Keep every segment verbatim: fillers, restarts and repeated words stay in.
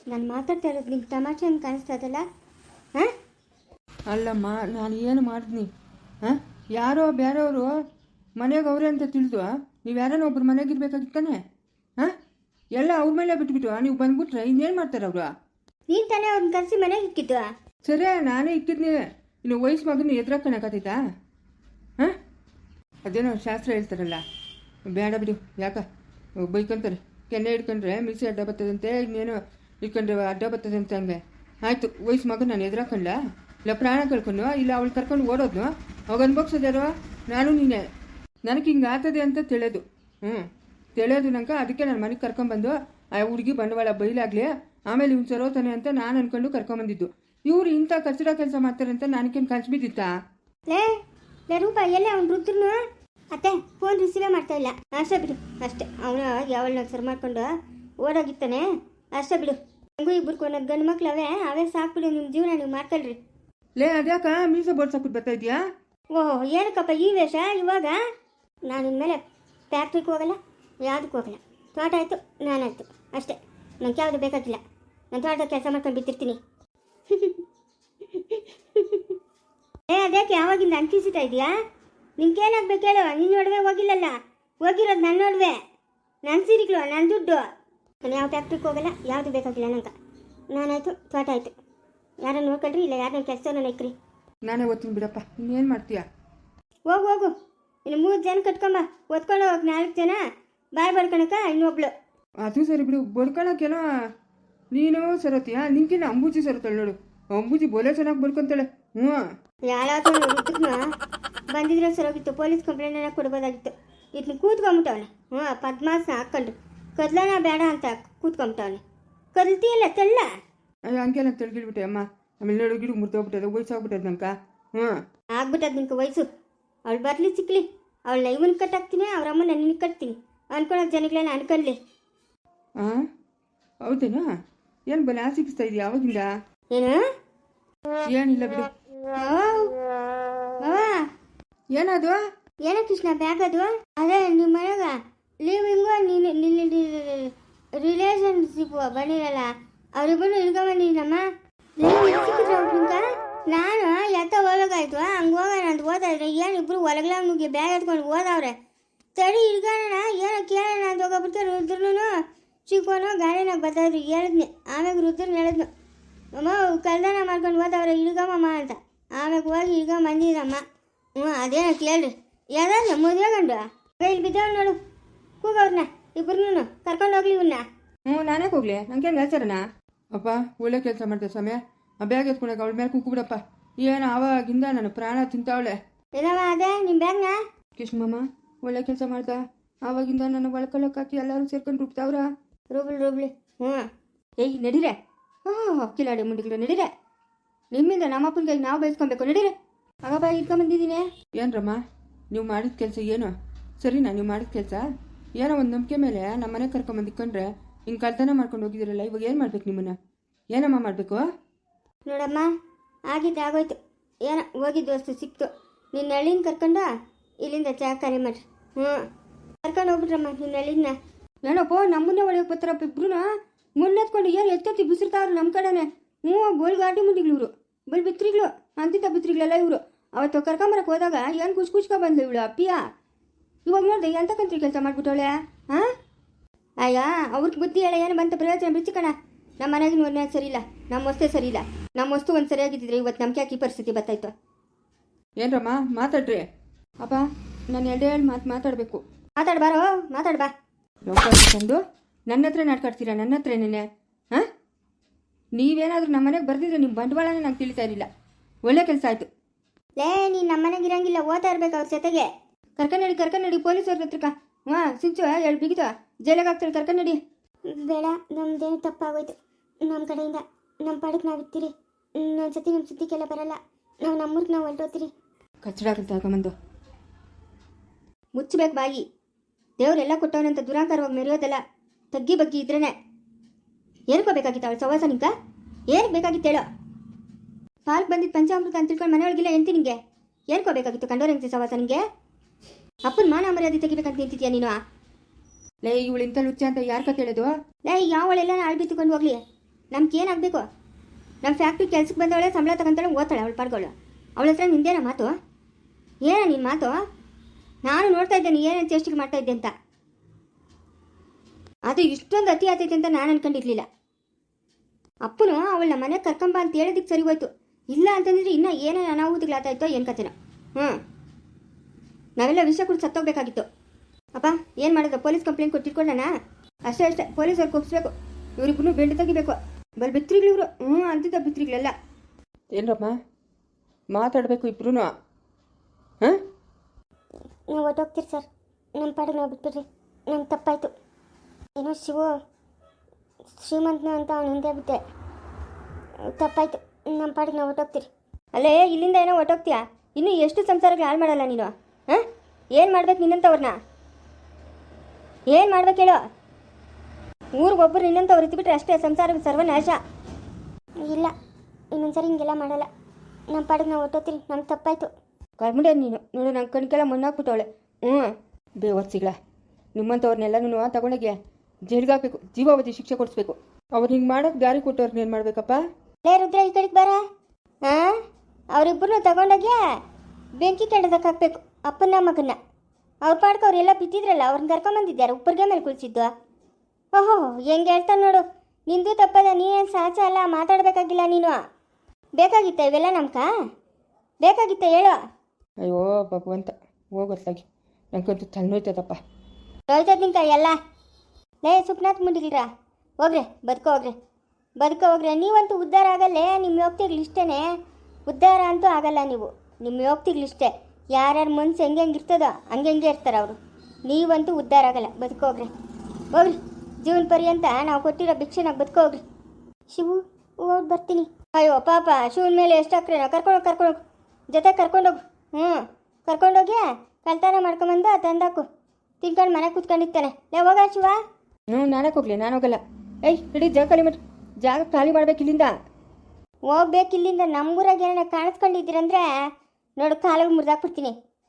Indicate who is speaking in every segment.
Speaker 1: ನಾನು ಮಾತಾಡ್ತಾ ಇರೋದು ನಿಂಗೆ ತಮಾಷೆ ಅಂತ ಕಾಣಿಸ್ತದಲ್ಲ? ಹಾಂ
Speaker 2: ಅಲ್ಲಮ್ಮ, ನಾನು ಏನು ಮಾಡಿದ್ನಿ? ಹಾಂ, ಯಾರೋ ಬೇರೆಯವರು ಮನೆಗೆ ಅವರೇ ಅಂತ ತಿಳಿದು ನೀವು ಯಾರನ್ನ ಒಬ್ರು ಮನೆಗೆ ಇರ್ಬೇಕಾಗಿತ್ತಾನೆ? ಹಾಂ, ಎಲ್ಲ ಅವ್ರ ಮೇಲೆ ಬಿಟ್ಬಿಟ್ಟು ನೀವು ಬಂದ್ಬಿಟ್ರೆ ಇನ್ನೇನು ಮಾಡ್ತಾರೆ ಅವರು?
Speaker 1: ನೀನು ತಾನೇ ಅವ್ರನ್ನ ಕರೆಸಿ ಮನೆಗೆ ಇಕ್ಕಿದ್ದು.
Speaker 2: ಸರಿ, ನಾನೇ ಇಕ್ಕಿದ್ನಿ. ಇನ್ನು ವಯಸ್ಸು ಮಗನ ಎದುರಾಕಣಕ್ಕಾತೈತಾ? ಹಾಂ, ಅದೇನೋ ಶಾಸ್ತ್ರ ಹೇಳ್ತಾರಲ್ಲ, ಬೇಡ ಬಿಡು. ಯಾಕ ಬೈಕೊಂತಾರೆ, ಕೆನ್ನೆ ಹಿಡ್ಕೊಂಡ್ರೆ ಮಿಕ್ಸಿ ಅಡ್ಡ ಬರ್ತದಂತೆ, ಇನ್ನೇನು ಇಟ್ಕೊಂಡ್ರೆ ಅಡ್ಡ ಬರ್ತದಂತೆ. ಹಂಗೆ ಆಯಿತು, ವಯಸ್ಸು ಮಗನ ನಾನು ಎದುರಾಕೊಂಡ ಇಲ್ಲ ಪ್ರಾಣ ಕಳ್ಕೊಂಡು ಇಲ್ಲ ಅವಳು ಕರ್ಕೊಂಡು ಓಡೋದ್ನು ಅವಾಗ ಅನ್ಭೋಗ್ಸೋದ್ಯಾರೋ? ನಾನು ನೀನೆ. ನನಗೆ ಹಿಂಗೆ ಆಗ್ತದೆ ಅಂತ ತಿಳಿಯೋದು. ಹ್ಞೂ ತಿಳಿಯೋದು ನಂಗೆ. ಅದಕ್ಕೆ ನನ್ನ ಮನೆಗೆ ಕರ್ಕೊಂಬಂದು ಆ ಹುಡುಗಿ ಬಂಡವಾಳ ಬೈಲಾಗಲಿ, ಆಮೇಲೆ ಇವ್ನು ಸರೋತಾನೆ ಅಂತ ನಾನು ಅಂದ್ಕೊಂಡು ಕರ್ಕೊಂಬಂದಿದ್ದು. ಇವ್ರು ಇಂಥ ಕಚಡ ಕೆಲಸ ಮಾಡ್ತಾರೆ ಅಂತ ನನಗೇನು ಕನ್ಸು ಬಿದ್ದಿತ್ತಾ?
Speaker 1: ಲೇ ಲೇ ರೂಪ, ಎಲ್ಲೇ ಅವ್ನು ರುದ್ರನು? ಅತ್ತೆ ಫೋನ್ ರಿಸೀವೇ ಮಾಡ್ತಾ ಇಲ್ಲ. ಅಷ್ಟೇ ಬಿಡು, ಅಷ್ಟೇ. ಅವನು ಯಾವಳನ್ನ ಸರ್ ಮಾಡ್ಕೊಂಡು ಓಡೋಗಿತ್ತಾನೆ. ಅಷ್ಟೇ ಬಿಡು. ಹಂಗೂ ಇಬ್ಬರು ಕೊನೋದು ಗಂಡು ಮಕ್ಳು ಅವೇ ಅವೇ ಸಾಕ್ಬಿಡು. ನಿಮ್ಮ ಜೀವನ ನೀವು ಮಾಡ್ಕೊಳ್ರಿ.
Speaker 2: ಲೇ ಅದ್ಯಾಕ ಮೀಸೆ ಬೋಡ್ಸಾಕ್ಬಿಟ್ಟು ಬರ್ತಾ ಇದೆಯಾ?
Speaker 1: ಓಹೋ, ಏನಕ್ಕಪ್ಪ ಈ ವೇಷ ಇವಾಗ? ನಾನು ಇನ್ಮೇಲೆ ಫ್ಯಾಕ್ಟ್ರಿಗೆ ಹೋಗಲ್ಲ, ಯಾವುದಕ್ಕೂ ಹೋಗಲ್ಲ. ತೋಟ ಆಯಿತು, ನಾನಾಯ್ತು, ಅಷ್ಟೇ. ನಂಗೆ ಯಾವುದು ಬೇಕಾಗಿಲ್ಲ. ನಾನು ತೋಟದ ಕೆಲಸ ಮಾಡ್ಕೊಂಡು ಬಿತ್ತಿರ್ತೀನಿ. ಏ ಅದಕ್ಕೆ ಯಾವಾಗಿಂದ ಅಂಕಿಸಿತಾ ಇದೆಯಾ? ನಿನ್ಗೇನಾಗ್ಬೇಕು ಹೇಳು? ನಿನ್ನ ನಡುವೆ ಹೋಗಿಲ್ಲಲ್ಲ, ಹೋಗಿರೋದು ನನ್ನ ನಡುವೆ. ನನ್ನ ಸೀರೆಗಳು, ನನ್ನ ದುಡ್ಡು. ನಾನು ಯಾವ ಫ್ಯಾಕ್ಟ್ರಿಗೆ ಹೋಗಲ್ಲ, ಯಾವುದು ಬೇಕಾಗಿಲ್ಲ ನಂಗೆ. ನಾನಾಯ್ತು, ತೋಟ ಆಯಿತು. ಯಾರನ್ನು ನೋಡ್ಕೊಳ್ರಿ, ಇಲ್ಲ ಯಾರನ್ನ ಕೆಲಸನ ಇಕ್ರಿ.
Speaker 2: ನಾನೇ ಓದ್ತೀನಿ ಬಿಡಪ್ಪ, ಇನ್ನೇನು ಮಾಡ್ತೀಯ?
Speaker 1: ಹೋಗು ಹೋಗು, ಇನ್ನು ಮೂರು ಜನ ಕಟ್ಕೊಂಬ. ಓದ್ಕೊಂಡು ಹೋಗಿ ನಾಲ್ಕು ಜನ ಬಾಯ್ ಬಡ್ಕೊಳಕ ಇನ್ನೊಬ್ಳು.
Speaker 2: ಅದು ಸರಿ ಬಿಡು, ಬಡ್ಕೊಳಕ್ಕೇನೋ ನೀನು ಸರತಿಯಾ? ನಿಂಕಿನ ಅಂಬೂಜಿ ಸರತಾಳೆ ನೋಡು. ಅಂಬೂಜಿ ಬೋಲೆ ಚೆನ್ನಾಗಿ ಬಡ್ಕೊಂತಾಳೆ. ಹ್ಞೂ, ಯಾರಾದ್ರೂ
Speaker 1: ರುದ್ರನ ಬಂದಿದ್ರೆ ಸರೋಗಿತ್ತು, ಪೊಲೀಸ್ ಕಂಪ್ಲೇಂಟ್ ಕೊಡ್ಬೋದಾಗಿತ್ತು. ಇದನ್ನ ಕೂತ್ಕೊಂಬಿಟ್ಟವನೆ. ಹ್ಞೂ, ಪದ್ಮಾಸನ ಹಾಕ್ಕೊಂಡು ಕದ್ಲನ ಬೇಡ ಅಂತ ಕೂತ್ಕೊಂಬಿಟ್ಟವನೆ. ಕಲ್ತಿಯಲ್ಲ ತೆಳ್ಳ.
Speaker 2: ಅಯ್ಯೋ ಹಂಗೆಲ್ಲ ತೆಳ್ಗಿಡ್ಬಿಟ್ಟೆ ಅಮ್ಮ. ಆಮೇಲೆ ನೋಡು ಗಿಡ ಮುರಿದೋಗ್ಬಿಟ್ಟದ, ವಯಸ್ಸಾಗ್ಬಿಟ್ಟದ ನಂಕ. ಹ್ಞೂ,
Speaker 1: ಆಗ್ಬಿಟ್ಟದ ನಿಂಗೆ ವಯಸ್ಸು. ಅವಳು ಬರಲಿ ಸಿಕ್ಲಿ, ಅವಳನ್ನ ಇವನ್ ಕಟ್ಟಾಕ್ತೀನಿ, ಅವ್ರ ಅಮ್ಮನ ನಿನಗೆ ಕಟ್ತೀನಿ ಅನ್ಕೊಳೋ ಜನಗಳನ್ನ ಅನ್ಕೊಳ್ಳಿ.
Speaker 2: ಹಾಂ ಹೌದೇನಾ? ಏನು ಬಲ ಸಿಕ್ಕಿಸ್ತಾ ಇದೆಯಾ ಅವಾಗಿಂದ?
Speaker 1: ಏನು?
Speaker 2: ಏನಿಲ್ಲ ಬಿಡು. ಏನದು?
Speaker 1: ಏನ ಕೃಷ್ಣ ಬ್ಯಾಗ್ ಅದು? ಅದೇ ನಿಮ್ಮ ಮನೆಗ ಲೀವಿಂಗು ನೀನು ನಿನ್ನ ರಿಲೇಷನ್ಶಿಪ್ ಬಂದಿರಲ್ಲ, ಅವ್ರಿಬ್ಬರು ಇಳ್ಕೊಂಬಂದಿದ್ದೀನಮ್ಮ. ಸಿಕ್ಕಿದ್ರ ನಾನು ಎತ್ತ ಹೋಗ್ಬೇಕಾಯ್ತು. ಹಂಗೆ ಹೋಗೋಣ ಅಂತ ಓದಾದ್ರೆ ಏನಿಬ್ರು ಹೊಲಗ್ಲ ನುಗ್ಗಿ ಬ್ಯಾಗ್ ಎತ್ಕೊಂಡು ಓದವ್ರೆ. ತಡಿ ಇಳ್ಕೊಳ್ಳೋಣ, ಏನೋ ಕೇಳೋಣ ಅಂತ ಹೋಗೋಬಿಟ್ಟು ರುದ್ರನು ಚಿಕ್ಕೋನು ಗಾಡಿನಾಗ ಬರ್ತಾಯಿದ್ರು. ಹೇಳಿದ್ನಿ, ಆಮ್ಯಾಗ ರುದ್ರನ ಹೇಳಿದ್ನು, ಅಮ್ಮ ಕಲ್ದಾನ ಮಾಡ್ಕೊಂಡು ಓದವ್ರೆ, ಇಳ್ಗಮ್ಮಮ್ಮ ಅಂತ. ಆಮ್ಯಾಗ ಹೋಗಿ ಇಳ್ಕೊಂಡ್ ಬಂದಿದ್ದಮ್ಮ. ಹ್ಞೂ ಅದೇನೋ ಕೇಳ್ರಿ. ಯಾವ್ದಾದ್ರು ಮದುವೆ ಗಂಡು ಇಲ್ಲಿ ಬಿದ್ದವ್ ನೋಡು, ಕೂಗವ್ರನ್ನ ಇಬ್ಬರನ್ನೂ ಕರ್ಕೊಂಡು ಹೋಗ್ಲಿ ಇವನ್ನ.
Speaker 2: ಹ್ಞೂ ನಾನೇ ಹೋಗ್ಲಿ, ನಂಗೇನು ಹೇಳ್ತಾರಣ? ಅಪ್ಪ ಒಳ್ಳೆ ಕೆಲಸ ಮಾಡ್ತೇವೆ ಸಮಯ. ಆ ಬ್ಯಾಗ್ ಎತ್ಕೊಂಡಾಗ ಅವಳ ಮೇಲೆ ಕೂಗ್ಬಿಡಪ್ಪ. ಏನು ಆವಾಗಿಂದ ನಾನು ಪ್ರಾಣ ತಿಂತಾವಳೆ.
Speaker 1: ಏನವ ಅದೇ ನಿಮ್ಮ ಬ್ಯಾಗ್ನ?
Speaker 2: ಕೃಷ್ಣಮ್ಮ ಒಳ್ಳೆ ಕೆಲಸ ಮಾಡ್ದ. ಆವಾಗಿಂದ ನಾನು ಒಳ್ಕೊಳ್ಳೋಕೆ ಹಾಕಿ ಎಲ್ಲರೂ ಸೇರ್ಕೊಂಡು ರುಬ್ತಾವ್ರ.
Speaker 1: ರೂಬ್ಲಿ ರೂಬ್ಲಿ. ಹ್ಞೂ ಏಯ್ ನಡೀರೆ. ಹಾಂ ಕಿಲಾಡಿ ಮುಂಡಿಗಳು ನಡೀರೆ. ನಿಮ್ಮಿಂದ ನಮ್ಮಪ್ಪನ ಕೈ ನಾವು ಬಯಸ್ಕೊಬೇಕು. ನಡೀರೆ. ಆಗಪ್ಪ ಇಟ್ಕೊಂಬಂದಿದ್ದೀನಿ.
Speaker 2: ಏನ್ರಮ್ಮ ನೀವು ಮಾಡಿದ ಕೆಲಸ ಏನು ಸರಿನಾ? ನೀವು ಮಾಡಿದ ಕೆಲಸ ಏನೋ ಒಂದು ನಂಬಿಕೆ ಮೇಲೆ ನಮ್ಮ ಮನೆಗೆ ಕರ್ಕೊಂಬಂದಿಕ್ಕೊಂಡ್ರೆ ಹಿಂಗೆ ಕಳ್ತನ ಮಾಡ್ಕೊಂಡು ಹೋಗಿದ್ದೀರಲ್ಲ, ಇವಾಗ ಏನು ಮಾಡ್ಬೇಕು ನಿಮ್ಮನ್ನ? ಏನಮ್ಮ ಮಾಡಬೇಕು?
Speaker 1: ನೋಡಮ್ಮ, ಆಗಿದ್ದು ಆಗೋಯ್ತು. ಏನೋ ಹೋಗಿದ್ದು ವಸ್ತು ಸಿಕ್ತು. ನಿನ್ನ ಹಳ್ಳಿನ ಕರ್ಕೊಂಡು ಇಲ್ಲಿಂದ ಚಾಕಾರಿ ಮಾಡ್ರಿ. ಹ್ಞೂ ಕರ್ಕೊಂಡು ಹೋಗ್ಬಿಟ್ರಮ್ಮ ನಿನ್ನ ಹಳ್ಳಿನ. ಏನಪ್ಪ ನಮ್ಮನ್ನೇ ಒಳಗೆ ಬರ್ತಾರಪ್ಪ ಇಬ್ರು. ಮುನ್ನೆತ್ಕೊಂಡು ಏನು ಎತ್ತೆತ್ತಿ ಬಿಸಿರ್ತಾವ್ರು ನಮ್ಮ ಕಡೆನೆ. ಹ್ಞೂ ಬೋಲ್ ಗಾಡಿ ಮುಂದಿಗಳು ಇವರು, ಬಲ್ ಬಿತ್ರಿಗಳು ಅಂತಿದ್ದ ಬಿತ್ರಿಗಳೆಲ್ಲ ಇವರು. ಅವತ್ತು ಕರ್ಕೊಂಬರಕ್ಕೆ ಹೋದಾಗ ಏನು ಕುಚ್ ಕುಚ್ಕೊ ಬಂದ್ಲು ಇವಳು ಅಪ್ಪಿಯ. ಇವಾಗ ನೋಡಿದೆ ಎಂತಕ್ಕಂತ್ರಿ ಕೆಲಸ ಮಾಡ್ಬಿಟ್ಟವಳೆ. ಹಾಂ ಅಯ್ಯ ಅವ್ರಿಗೆ ಬುದ್ಧಿ ಹೇಳ ಏನು ಬಂತ ಪ್ರಯೋಜನ ಬಿಚ್ಚಿಕಣ. ನಮ್ಮ ಮನೆಗಿನ ಒಂದೇ ಸರಿ ಇಲ್ಲ, ನಮ್ಮ ವಸ್ತೇ ಸರಿ ಇಲ್ಲ. ನಮ್ಮ ವಸ್ತು ಒಂದು ಸರಿಯಾಗಿದ್ದಿದ್ರೆ ಇವತ್ತು ನಮ್ಗೆ ಯಾಕೆ ಈ ಪರಿಸ್ಥಿತಿ ಬರ್ತಾಯಿತ್ತು?
Speaker 2: ಏನ್ರಮ್ಮ ಮಾತಾಡ್ರಿ. ಅಪ್ಪ ನಾನು ಎರಡೇ ಹೇಳಿ ಮಾತು ಮಾತಾಡಬೇಕು.
Speaker 1: ಮಾತಾಡ್ಬಾರೋ ಮಾತಾಡ್ಬಾ.
Speaker 2: ತಂದು ನನ್ನ ಹತ್ರ ನಾಟ್ಕಾಡ್ತೀರಾ? ನನ್ನ ಹತ್ರ ಏನೇನೆ? ಹಾಂ ನೀವೇನಾದರೂ ನಮ್ಮ ಮನೆಗೆ ಬರ್ತಿದ್ರೆ ನಿಮ್ಮ ಬಂಡವಾಳನೇ ನಂಗೆ ತಿಳಿತಾ ಇರಲಿಲ್ಲ. ಒಳ್ಳೆ ಕೆಲಸ ಆಯಿತು. ಲೇ ನೀನು ನಮ್ಮ ಮನೆಗೆ ಇರಂಗಿಲ್ಲ, ಓದ್ತಾ ಇರ್ಬೇಕು ಅವ್ರ ಜೊತೆಗೆ. ಕರ್ಕೊಂಡಿ ಕರ್ಕೊಂಡಿ ಪೊಲೀಸವ್ರ ಹತ್ರಕ್ಕ. ಹಾಂ ಸಿಂಚು ಎರಡು ಬಿಗಿತ ಜೈಲಾಗ ಹಾಕ್ತಾರೆ. ಕರ್ಕೊಂಡಿ. ಬೇಡ, ನಮ್ದೇನು ತಪ್ಪಾಗೋಯ್ತು. ನಮ್ಮ ಕಡೆಯಿಂದ ನಮ್ಮ ಪಾಡಕ್ಕೆ ನಾವು ಇರ್ತೀರಿ. ನನ್ನ ಸತಿ ನಮ್ಮ ಸುದ್ದಿಗೆಲ್ಲ ಬರಲ್ಲ. ನಾವು ನಮ್ಮೂರ್ಗೆ ನಾವು ಹೊರಟೋತೀರಿ. ಕಚ್ಚಡಾಗಂತ ಹಾಕೊಂಬಂದು ಮುಚ್ಚಬೇಕು ಬಾಯಿ. ದೇವರೆಲ್ಲ ಕೊಟ್ಟವನಂತ ದುರಾಂಕಾರವಾಗಿ ಮೆರೆಯೋದಲ್ಲ. ತಗ್ಗಿ ಬಗ್ಗಿ ಇದ್ರೇನೆ. ಏನಕ್ಕೋಬೇಕಾಗಿತ್ತು ಅವಳು ಸವಾಸ ನಿಂಕ? ಏನಕ್ಕೆ ಬೇಕಾಗಿತ್ತು ಹೇಳೋ? ಪಾಲ್ಗೆ ಬಂದಿದ್ದು ಪಂಚಾಮೃತ ಅಂತ ತಿಳ್ಕೊಂಡು ಮನೆಯೊಳಗಿಲ್ಲ ಎಂತಿ ನಿಂಗೆ? ಏನಕ್ಕೋಬೇಕಾಗಿತ್ತು ಕಂಡೋರಂತೆ ಸವಾಸ ನಿಂಗೆ? ಅಪ್ಪನ ಮಾನ ಮರ್ಯಾದೆ ತೆಗಿಬೇಕಂತ ನಿಂತಿದ್ಯಾ ನೀನು? ಲೇ ಇವಳು ಇಂಥ ಲುಚ್ಚ ಅಂತ ಯಾರು ಕತೆ ಹೇಳೋದು? ಲೇ ಯಾವಳೆಲ್ಲ ಆಳ್ಬಿತ್ತುಕೊಂಡು ಹೋಗ್ಲಿ.
Speaker 1: ನಮ್ಗೆ ಏನಾಗಬೇಕು? ನಮ್ಮ ಫ್ಯಾಕ್ಟ್ರಿ ಕೆಲ್ಸಕ್ಕೆ ಬಂದವಳೆ, ಸಂಬಳ ತಗೊಂತಾಳೆ, ಓದ್ತಾಳೆ ಅವಳು ಪಾಡ್ಗಳು. ಅವಳ ಹತ್ರ ನಿಂದೇನ ಮಾತು? ಏನ ನಿನ್ನ ಮಾತು? ನಾನು ನೋಡ್ತಾ ಇದ್ದೇನೆ ಏನೇನು ಚೇಷ್ಟಿಗೆ ಮಾಡ್ತಾ ಇದ್ದೆ ಅಂತ. ಅದು ಇಷ್ಟೊಂದು ಅತಿ ಆತೈತೆ ಅಂತ ನಾನು ಅನ್ಕೊಂಡಿರ್ಲಿಲ್ಲ. ಅಪ್ಪನು ಅವಳನ್ನ ಮನೆಗೆ ಕರ್ಕೊಂಬ ಅಂತ ಹೇಳೋದಕ್ಕೆ ಸರಿ ಹೋಯ್ತು. ಇಲ್ಲ ಅಂತಂದ್ರೆ ಇನ್ನೂ ಏನೇನು ಅನಾಹುತಗಳಾಗ್ತಾಯಿತ್ತೋ ಏನು ಕತೆನೋ. ಹ್ಞೂ, ನಾವೆಲ್ಲ ವಿಷಯ ಕೂಡ ಸತ್ತೋಗ್ಬೇಕಾಗಿತ್ತು. ಅಪ್ಪ ಏನು ಮಾಡೋದು? ಪೊಲೀಸ್ ಕಂಪ್ಲೇಂಟ್ ಕೊಟ್ಟಿಟ್ಕೊಳ್ಳೋಣ ಅಷ್ಟೇ ಅಷ್ಟೇ. ಪೊಲೀಸವ್ರಿಗೆ ಒಪ್ಪಿಸ್ಬೇಕು. ಇವರಿಬ್ಬರು ಬೆಂಡು ತೆಗಿಬೇಕು. ಬಲ್ ಬಿತ್ರಿಗಳು ಇವರು. ಹ್ಞೂ ಅಂತಿದ್ದ ಬಿತ್ರಿಗಳೆಲ್ಲ.
Speaker 2: ಏನರಮ್ಮ ಮಾತಾಡಬೇಕು ಇಬ್ರು? ಹಾಂ,
Speaker 3: ನೀವು ಹೊಟ್ಟೋಗ್ತೀರಿ ಸರ್. ನಮ್ಮ ಪಾಡಿಗೆ ನಾವು ಬಿಟ್ಬಿಡ್ರಿ. ನಮ್ಮ ತಪ್ಪಾಯಿತು. ಏನೋ ಶಿವು ಶ್ರೀಮಂತನ ಅಂತ ಅವ್ನು ಹಿಂದೆ ಬಿಟ್ಟೆ. ತಪ್ಪಾಯಿತು. ನಮ್ಮ ಪಾಡಿಗೆ ನಾವು ಹೊಟ್ಟೋಗ್ತೀರಿ.
Speaker 1: ಅಲ್ಲೇ ಇಲ್ಲಿಂದ ಏನೋ ಹೊಟ್ಟೋಗ್ತೀಯಾ? ಇನ್ನೂ ಎಷ್ಟು ಸಂಸಾರಗಳು ಹಾಳು ಮಾಡಲ್ಲ ನೀನು? ಹಾಂ, ಏನು ಮಾಡ್ಬೇಕು ನಿನ್ನಂಥವ್ರನ್ನ? ಏನು ಮಾಡ್ಬೇಕು ಹೇಳೋ? ಊರಿಗೊಬ್ಬರು ನಿನ್ನಂಥವ್ರು ಇದ್ಬಿಟ್ರೆ ಅಷ್ಟೇ ಸಂಸಾರ ಸರ್ವನಾಶ.
Speaker 3: ಇಲ್ಲ, ಇನ್ನೊಂದ್ಸರಿ ಹಿಂಗೆಲ್ಲ ಮಾಡಲ್ಲ. ನಮ್ಮ ಪಾಡಿಗೆ ನಾವು ಹೊಟ್ಟೋಗ್ತೀರಿ. ನಮ್ಗೆ ತಪ್ಪಾಯಿತು.
Speaker 1: ಕರ್ಮುಂಡೆ ನೀನು ನೋಡು, ನಂಗೆ ಕಣ್ಕೆಲ್ಲ ಮಣ್ಣಾಕ್ಬಿಟ್ಟವಳೆ. ಹ್ಞೂ,
Speaker 2: ಬೇವರ್ಸಿಗಳ ನಿಮ್ಮಂಥವ್ರನ್ನೆಲ್ಲ ತಗೊಂಡೋಗಿ ಜೈಲ್ಗಾಕಬೇಕು, ಜೀವಾವಧಿ ಶಿಕ್ಷೆ ಕೊಡಿಸ್ಬೇಕು. ಅವ್ರು ಹಿಂಗೆ ಮಾಡೋಕೆ ದಾರಿ ಕೊಟ್ಟವ್ರನ್ನ ಏನು ಮಾಡಬೇಕಪ್ಪ?
Speaker 1: ಲೇ ರುದ್ರ, ಈ ಕಡೆಗೆ ಬಾರ. ಹಾಂ, ಅವರಿಬ್ಬರನ್ನು ತಗೊಂಡೋಗಿ ಬೆಂಕಿ ಕೆಂಡದಕ್ಕೆ ಹಾಕ್ಬೇಕು, ಅಪ್ಪನ ಮಗನ್ನ. ಅವ್ರ ಪಾಡ್ಕ ಅವರೆಲ್ಲ ಬಿದ್ದಿದ್ರಲ್ಲ, ಅವ್ರನ್ನ ಕರ್ಕೊಂಬಂದಿದ್ದಾರೆ ಉಪ್ಪರ್ಗೆ ಮೇಲೆ ಕುಳಿಸಿದ್ದು. ಓಹೋ, ಹೆಂಗೆ ಹೇಳ್ತಾನೆ ನೋಡು. ನಿಂದು ತಪ್ಪದ, ನೀನೇನು ಸಾಚ ಅಲ್ಲ, ಮಾತಾಡಬೇಕಾಗಿಲ್ಲ ನೀನು. ಬೇಕಾಗಿತ್ತ ಇವೆಲ್ಲ ನಮ್ಕ? ಬೇಕಾಗಿತ್ತ ಹೇಳೋ?
Speaker 2: ಅಯ್ಯೋ ಭಗವಂತ, ಹೋಗೋತ್ಲಾಗಿ ನಂಗಂತೂ ತಲೆನೋಯ್ತದಪ್ಪ.
Speaker 1: ಹೋಯ್ತದ ನಿಂಕ ಎಲ್ಲ. ಲೇ ಸುಪ್ನಾಥ್ ಮುಂಡಿಲ್ರ, ಹೋಗ್ರೆ ಬದುಕೋ ಹೋಗ್ರೆ ಬದುಕೋ ಹೋಗ್ರೆ. ನೀವಂತೂ ಉದ್ಧಾರ ಆಗಲ್ಲೇ. ನಿಮ್ಮ ಯೋಗ್ತಿಗಳಿಷ್ಟೇ, ಉದ್ಧಾರ ಅಂತೂ ಆಗಲ್ಲ ನೀವು. ನಿಮ್ಮ ಯೋಗ್ತಿಗಳಿಷ್ಟೇ. ಯಾರ್ಯಾರ ಮನ್ಸು ಹೆಂಗೆ ಹೆಂಗೆ ಇರ್ತದೋ ಹಂಗೆ ಹೆಂಗೆ ಇರ್ತಾರೆ ಅವರು. ನೀವಂತೂ ಉದ್ಧಾರ ಆಗಲ್ಲ. ಬದುಕೋ ಹೋಗ್ರಿ ಹೋಗ್ರಿ. ಜೀವನ ಪರ್ಯಂತ ನಾವು ಕೊಟ್ಟಿರೋ ಭಿಕ್ಷೆನಾಗ ಬದುಕೋ ಹೋಗ್ರಿ.
Speaker 3: ಶಿವು ಹೋಗಿ ಬರ್ತೀನಿ.
Speaker 1: ಅಯ್ಯೋ ಪಾಪ, ಶಿವನ ಮೇಲೆ ಎಷ್ಟು ಹಾಕ್ರೆ ನಾವು ಕರ್ಕೊಂಡೋಗಿ ಕರ್ಕೊಂಡೋಗಿ ಜೊತೆ ಕರ್ಕೊಂಡೋಗು. ಹ್ಞೂ, ಕರ್ಕೊಂಡೋಗಿ ಕಳ್ತನ ಮಾಡ್ಕೊಂಬಂದು ತಂದಾಕು, ತಿನ್ಕೊಂಡು ಮನೆ ಕೂತ್ಕೊಂಡಿರ್ತಾನೆ. ಲೇ ಹೋಗ ಶಿವ.
Speaker 2: ಹ್ಞೂ, ನಾನಕ್ಕೆ ಹೋಗ್ಲಿ, ನಾನು ಹೋಗಲ್ಲ. ಏಯ್ ಇಡೀ ಜಾಗ ಖಾಲಿ ಮಾಡಿ, ಜಾಗ ಖಾಲಿ ಮಾಡ್ಬೇಕು ಇಲ್ಲಿಂದ.
Speaker 1: ಹೋಗ್ಬೇಕು ಇಲ್ಲಿಂದ. ನಮ್ಮೂರಾಗ ಏನಾರ ಕಾಣಿಸ್ಕೊಂಡಿದ್ದೀರಂದ್ರೆ ನೋಡು, ಕಾಲಿಗೆ ಮುರಿದಾಕ್ಬಿಡ್ತೀನಿ.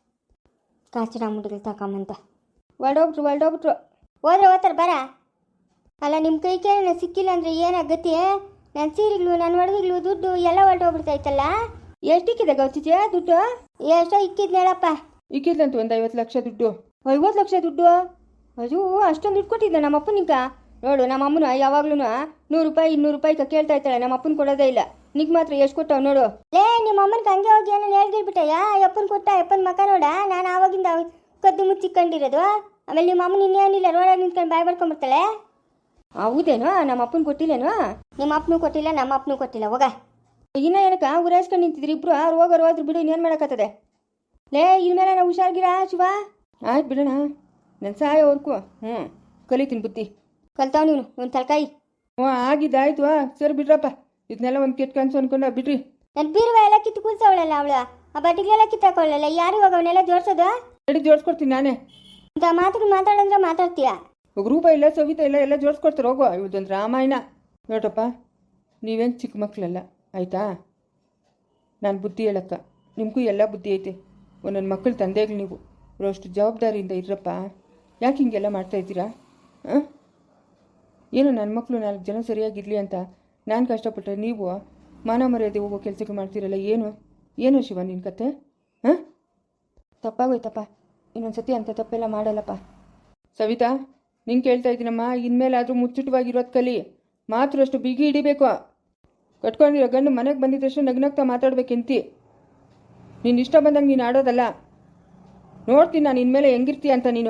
Speaker 1: ಕಾಚಿನ ಮುಡಿಗಳು ತಗೊಂಬಂತ ಹೊರಡೋಗ್ಬಿಟ್ರು ಹೊರಡೋಗ್ಬಿಟ್ರು ಹೋದ್ರೆ ಹೋಗ್ತಾರೆ ಬರ. ಅಲ್ಲ, ನಿಮ್ಮ ಕೈಗೆ ಸಿಕ್ಕಿಲ್ಲ ಅಂದರೆ ಏನಾಗತ್ತೆ? ನನ್ನ ಸೀರೆಗಳು, ನನ್ನ ಒಡವೆಗಳು, ದುಡ್ಡು ಎಲ್ಲ ಹೊರಟೋಗ್ಬಿಡ್ತಾಯ್ತಲ್ಲ.
Speaker 2: ಎಷ್ಟಿಕ್ಕಿದೆ ಗೌಚಿಜೆ ದುಡ್ಡು?
Speaker 1: ಎಷ್ಟೋ ಇಕ್ಕಿದ್ನ ಹೇಳಪ್ಪ.
Speaker 2: ಇಕ್ಕಿದ್ಲಂತೂ ಒಂದು ಐವತ್ತು ಲಕ್ಷ ದುಡ್ಡು.
Speaker 1: ಐವತ್ತು ಲಕ್ಷ ದುಡ್ಡು? ಅಯ್ಯೋ, ಅಷ್ಟೊಂದು ದುಡ್ಡು ಕೊಟ್ಟಿದ್ದ ನಮ್ಮ ಅಪ್ಪನಿಗ. ನೋಡು, ನಮ್ಮ ಅಮ್ಮನ ಯಾವಾಗ್ಲೂ ನೂರು ರೂಪಾಯಿ ಇನ್ನೂರು ರೂಪಾಯಿ ಕೇಳ್ತಾ ಇರ್ತಾಳೆ. ನಮ್ಮ ಅಪ್ಪನ ಕೊಡೋದೇ ಇಲ್ಲ. ನಿಗ್ ಮಾತ್ರ ಎಷ್ಟು ಕೊಟ್ಟವ್ ನೋಡು. ಲೇ, ನಿಮ್ಮ ಅಮ್ಮನಿಗೆ ಹಂಗೆ ಹೋಗಿ ಏನೋ ಹೇಳ್ಗಿರ್ಬಿಟ್ಟಯ್ಯ. ಅಪ್ಪನ ಕೊಟ್ಟ, ಅಪ್ಪನ ಮಕ್ಕ ನೋಡ. ನಾನು ಆವಾಗಿಂದ ಕದ್ದು ಮುಚ್ಚಿಕೊಂಡಿರೋದು. ಆಮೇಲೆ ನಿಮ್ಮ ಅಮ್ಮನ ಇನ್ನೇನಿಲ್ಲ, ರೋಡಾಗಿ ನಿಂತ್ಕೊಂಡು ಬಾಯ್ ಬರ್ಕೊಂಡ್ಬಿಡ್ತಾಳೆ.
Speaker 2: ಹೌದೇನೋ? ನಮ್ಮ ಅಪ್ಪನ ಕೊಟ್ಟಿಲ್ಲೇನೋ?
Speaker 1: ನಿಮ್ಮ ಅಪ್ಪನೂ ಕೊಟ್ಟಿಲ್ಲ, ನಮ್ಮ ಅಪ್ಪನೂ ಕೊಟ್ಟಿಲ್ಲ. ಹೋಗ.
Speaker 2: ಇನ್ನ ಏನಕ್ಕ ಉರಾಯಿಸ್ಕೊಂಡು ನಿಂತಿದ್ರಿ ಇಬ್ರು? ಅವ್ರು ಹೋಗೋರು ಹೋದ್ರು ಬಿಡು, ಇನ್ನೇನು ಮಾಡೋಕ್ಕತ್ತದೆ? ಲೇ, ಇನ್ಮೇಲೆ ನಾವು ಹುಷಾರ್ಗಿರ ಶಿವ. ಆಯ್ತು ಬಿಡೋಣ, ನನ್ನ ಸಾಯೋವರ್ಕು ಹ್ಞೂ ಕಲಿತೀನಿ ಬುದ್ಧಿ.
Speaker 1: ಕಲ್ತಾವ್ ನೀನು ಒಂದು ತಲಕಾಯಿ.
Speaker 2: ಹ್ಞೂ ಆಗಿದ್ದಾಯ್ತು. ಸರಿ ಬಿಡ್ರಪ್ಪ, ಇದನ್ನೆಲ್ಲ ಒಂದು ಕೆಟ್ಟ ಕನ್ಸು ಅನ್ಕೊಂಡು ಬಿಡ್ರಿ.
Speaker 1: ನನ್ನ ಬೀರುವ ಎಲ್ಲ ಕಿತ್ತು ಕೂಲ್ಸವಳಲ್ಲ ಅವಳು. ಆ ಬಟ್ಟಿಗೆಲ್ಲ ಕಿತ್ತಾಕೊಳ್ಳಲ್ಲ. ಯಾರು ಇವಾಗ ಅವನ್ನೆಲ್ಲ ಜೋಡ್ಸೋದು?
Speaker 2: ರೆಡಿ ಜೋಡಿಸ್ಕೊಡ್ತೀನಿ ನಾನೇ.
Speaker 1: ಅಂತ ಮಾತುಗಳು ಮಾತಾಡಂದ್ರೆ ಮಾತಾಡ್ತೀಯ?
Speaker 2: ರೂಪ ಇಲ್ಲ, ಸವಿತಾ ಇಲ್ಲ, ಎಲ್ಲ ಜೋಡಿಸ್ಕೊಡ್ತಾರೆ. ಹೋಗೋ, ಇವತ್ತೊಂದು ರಾಮಾಯಣ. ನೋಡಪ್ಪ, ನೀವೇನು ಚಿಕ್ಕ ಮಕ್ಕಳಲ್ಲ, ಆಯಿತಾ? ನಾನು ಬುದ್ಧಿ ಹೇಳಕ್ಕ, ನಿಮಗೂ ಎಲ್ಲ ಬುದ್ಧಿ ಐತೆ. ಒಂದೊಂದು ಮಕ್ಕಳ ತಂದೆಗಳು ನೀವು ಅಷ್ಟು ಜವಾಬ್ದಾರಿಯಿಂದ ಇರಪ್ಪ. ಯಾಕೆ ಹಿಂಗೆಲ್ಲ ಮಾಡ್ತಾಯಿದ್ದೀರಾ? ಹಾಂ, ಏನು ನನ್ನ ಮಕ್ಕಳು ನಾಲ್ಕು ಜನ ಸರಿಯಾಗಿರಲಿ ಅಂತ ನಾನು ಕಷ್ಟಪಟ್ಟರೆ ನೀವು ಮಾನ ಮರ್ಯಾದೆ ಹೋಗೋ ಕೆಲಸಕ್ಕೆ ಮಾಡ್ತೀರಲ್ಲ. ಏನು ಏನು ಶಿವ ನಿನ್ನ ಕತೆ? ಹಾಂ, ತಪ್ಪಾಗೋಯ್ತಪ್ಪ. ಇನ್ನೊಂದು ಸತಿ ಅಂತ ತಪ್ಪೆಲ್ಲ ಮಾಡಲ್ಲಪ್ಪ. ಸವಿತಾ, ನಿಂಗೆ ಕೇಳ್ತಾ ಇದ್ದೀನಮ್ಮ, ಇನ್ಮೇಲಾದರೂ ಮುಚ್ಚಿಟವಾಗಿರೋದು ಕಲಿ. ಮಾತ್ರ ಅಷ್ಟು ಬಿಗಿ ಹಿಡಿಬೇಕು. ಕಟ್ಕೊಂಡಿರೋ ಗಂಡು ಮನೆಗೆ ಬಂದಿದ್ದಷ್ಟು ನಗ್ನಗ್ತಾ ಮಾತಾಡ್ಬೇಕೆಂತಿ. ನೀನು ಇಷ್ಟ ಬಂದಂಗೆ ನೀನು ಆಡೋದಲ್ಲ. ನೋಡ್ತೀನಿ ನಾನು ಇನ್ಮೇಲೆ ಹೆಂಗಿರ್ತೀಯ ಅಂತ. ನೀನು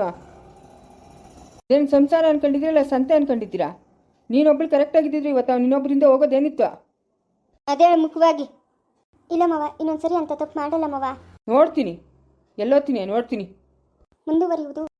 Speaker 2: ಏನು ಸಂಸಾರ ಅನ್ಕೊಂಡಿದ್ದೀರಲ್ಲ, ಸಂತೆ ಅನ್ಕೊಂಡಿದ್ದೀರಾ? ನೀನೊಬ್ಳು ಕರೆಕ್ಟಾಗಿದ್ದಿದ್ರೆ ಇವತ್ತು ನೀನೊಬ್ಬರಿಂದ ಹೋಗೋದೇನಿತ್ತು?
Speaker 1: ಅದೇ ಮುಖ್ಯವಾಗಿ.
Speaker 3: ಇಲ್ಲ ಮವ, ಇನ್ನೊಂದ್ಸರಿ ಅಂತ ತಪ್ಪು ಮಾಡಲ್ಲ ಮವ.
Speaker 2: ನೋಡ್ತೀನಿ, ಎಲ್ಲೋತೀನಿ ನೋಡ್ತೀನಿ.
Speaker 3: ಮುಂದುವರಿಯುವುದು